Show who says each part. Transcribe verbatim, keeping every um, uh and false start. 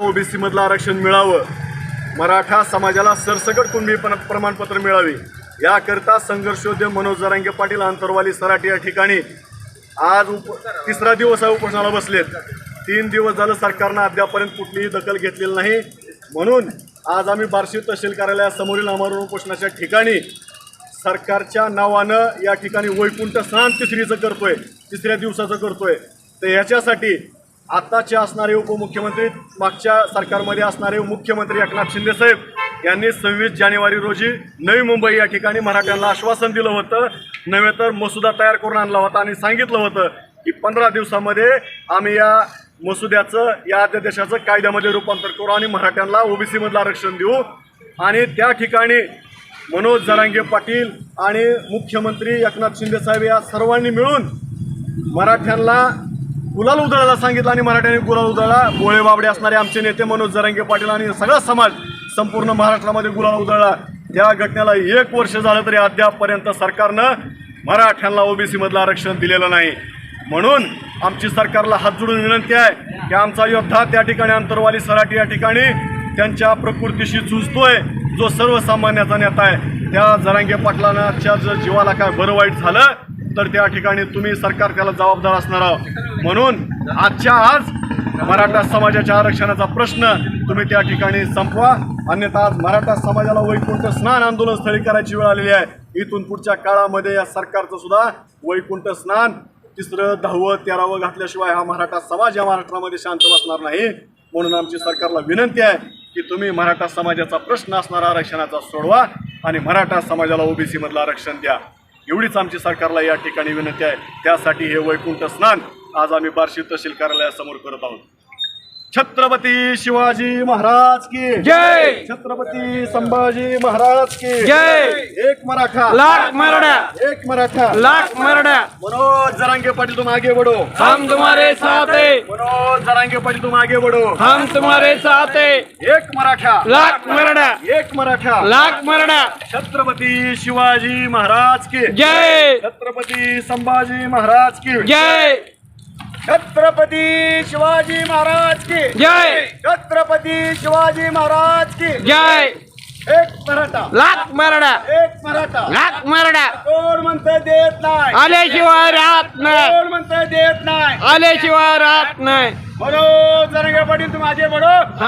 Speaker 1: OBC मधलं आरक्षण मिळावं, मराठा समाजाला सरसकट कुणबी प्रमाणपत्र मिळावे याकरता संघर्षोद्यम मनोज जरांगे पाटील आंतरवाली सराटी या ठिकाणी आज उप तिसरा दिवस उपोषणाला बसलेत। तीन दिवस झालं सरकारनं अद्यापर्यंत कुठलीही दखल घेतलेली नाही, म्हणून आज आम्ही बार्शी तहसील कार्यालयासमोरील आमरण उपोषणाच्या ठिकाणी सरकारच्या नावानं या ठिकाणी वैकुंठ स्नान तिसरीचं करतोय, तिसऱ्या दिवसाचं करतोय। तर याच्यासाठी आताचे असणारे उपमुख्यमंत्री, मागच्या सरकारमध्ये असणारे मुख्यमंत्री एकनाथ शिंदे साहेब यांनी सव्वीस जानेवारी रोजी नवी मुंबई या ठिकाणी मराठ्यांना आश्वासन दिलं होतं, नव्हे तर मसुदा तयार करून आणला होता आणि सांगितलं होतं की पंधरा दिवसामध्ये आम्ही या मसुद्याचं, या अध्यादेशाचं कायद्यामध्ये रूपांतर करू आणि मराठ्यांना ओबीसी मधलं आरक्षण देऊ। आणि त्या ठिकाणी मनोज जरांगे पाटील आणि मुख्यमंत्री एकनाथ शिंदे साहेब या सर्वांनी मिळून मराठ्यांना गुलाल उधळायला सांगितलं आणि मराठ्यांनी गुलाल उधळला। बोळे बाबडे असणारे आमचे नेते मनोज जरांगे पाटील आणि सगळा समाज संपूर्ण महाराष्ट्रामध्ये गुलाल उधळला। त्या घटनेला एक वर्ष झालं तरी अद्यापपर्यंत सरकारनं मराठ्यांना ओबीसी मधलं आरक्षण दिलेलं नाही। म्हणून आमची सरकारला हात जोडून विनंती आहे की आमचा योद्धा त्या ठिकाणी आंतरवाली सराटी या ठिकाणी त्यांच्या प्रकृतीशी झुजतोय, जो सर्वसामान्याचा नेता आहे, त्या जरांगे पाटलांच्या जर जीवाला काय बरं वाईट झालं तर त्या ठिकाणी तुम्ही सरकार त्याला जबाबदार असणार आहोत। म्हणून आजच्या आज मराठा समाजाच्या आरक्षणाचा प्रश्न तुम्ही त्या ठिकाणी संपवा, अन्यथा आज मराठा समाजाला वैकुंठ स्नान आंदोलन स्थळी करायची वेळ आलेली आहे। इथून पुढच्या काळामध्ये या सरकारचं सुद्धा वैकुंठ स्नान तिसरं दहावं तेरावं घातल्याशिवाय हा मराठा समाज या महाराष्ट्रामध्ये शांत बसणार नाही। म्हणून आमची सरकारला विनंती आहे की तुम्ही मराठा समाजाचा प्रश्न असणारा आरक्षणाचा सोडवा आणि मराठा समाजाला ओबीसी मधलं आरक्षण द्या, एवढीच आमची सरकारला या ठिकाणी विनंती आहे। त्यासाठी हे वैकुंठ स्नान आज आम्ही बार्शी तहसील कार्यालयासमोर करत आहोत। छत्रपती शिवाजी महाराज की
Speaker 2: जय,
Speaker 1: छत्रपती संभाजी महाराज की
Speaker 2: जय।
Speaker 1: एक मराठा
Speaker 2: लाख मराठा,
Speaker 1: एक मराठा
Speaker 2: लाख मराठा।
Speaker 1: मनोज जरांगे पाटील तुम आगे बढ़ो,
Speaker 2: हम तुम्हारे साथ हैं,
Speaker 1: मनोज जरांगे पाटील तुम आगे बढ़ो,
Speaker 2: हम तुम्हारे साथ हैं।
Speaker 1: एक मराठा,
Speaker 2: लाख मराठा,
Speaker 1: एक मराठा,
Speaker 2: लाख मराठा।
Speaker 1: छत्रपती शिवाजी महाराज की
Speaker 2: जय,
Speaker 1: छत्रपती संभाजी महाराज की
Speaker 2: जय,
Speaker 1: छत्रपती शिवाजी महाराज की
Speaker 2: जय,
Speaker 1: छत्रपती शिवाजी महाराज की
Speaker 2: जय।
Speaker 1: एक मराठा,
Speaker 2: लाख मराठा,
Speaker 1: एक मराठा,
Speaker 2: लाख मराठा।
Speaker 1: कोण म्हणतं देत नाही,
Speaker 2: आल्याशिवाय राहत नाही,
Speaker 1: कोण म्हणतं देत नाही,
Speaker 2: आल्याशिवाय राहत नाही।
Speaker 1: मनोज जरांगे पाटील तुम आगे बढ़ो।